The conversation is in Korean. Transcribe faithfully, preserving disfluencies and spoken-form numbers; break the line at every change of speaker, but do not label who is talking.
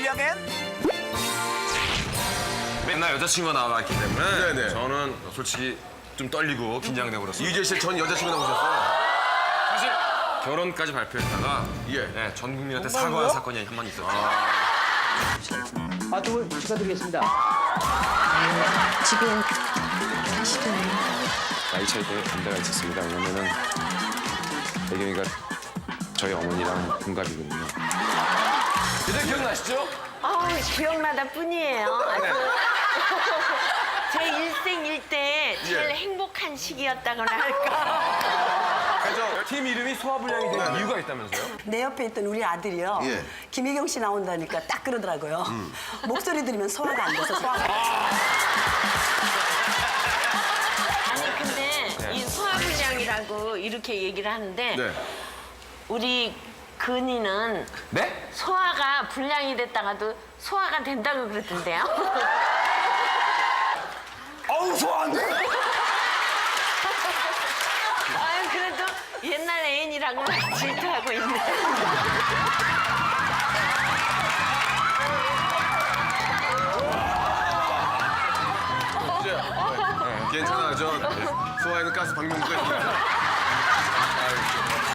실력은?
맨날 여자친구가 나와있기 때문에
네네.
저는 솔직히 좀 떨리고 긴장되고 그렇습니다.
유재 씨 전 여자친구 나오셨어요?
사실 결혼까지 발표했다가
예.
네, 전 국민한테 사과한 사건이 한 번 있었죠.
아, 두 분 축하드리겠습니다.
지금 사실은
나이 차이 때문에 반대가 있었습니다. 왜냐면은 배경이가 저희 어머니랑 동갑이거든요.
그때 기억나시죠?
아, 기억나다 뿐이에요. 아주 제 일생 일대 제일
예.
행복한 시기였다거나 할까.
그래서 팀 이름이 소화불량이 된 이유가 있다면서요?
내 옆에 있던 우리 아들이요.
예.
김혜경 씨 나온다니까 딱 그러더라고요. 목소리 들으면 소화가 안 돼서 소화가.
아니 근데 이 소화불량이라고 이렇게 얘기를 하는데
네.
우리 근이는
네?
소화가 불량이 됐다가도 소화가 된다고 그러던데요.
어우 소화 안 돼.
아유 그래도 옛날 애인이라고 막 질투하고 있네.
유재. 네. 괜찮아. 저 소화에는 가스 방명부가 있습니다.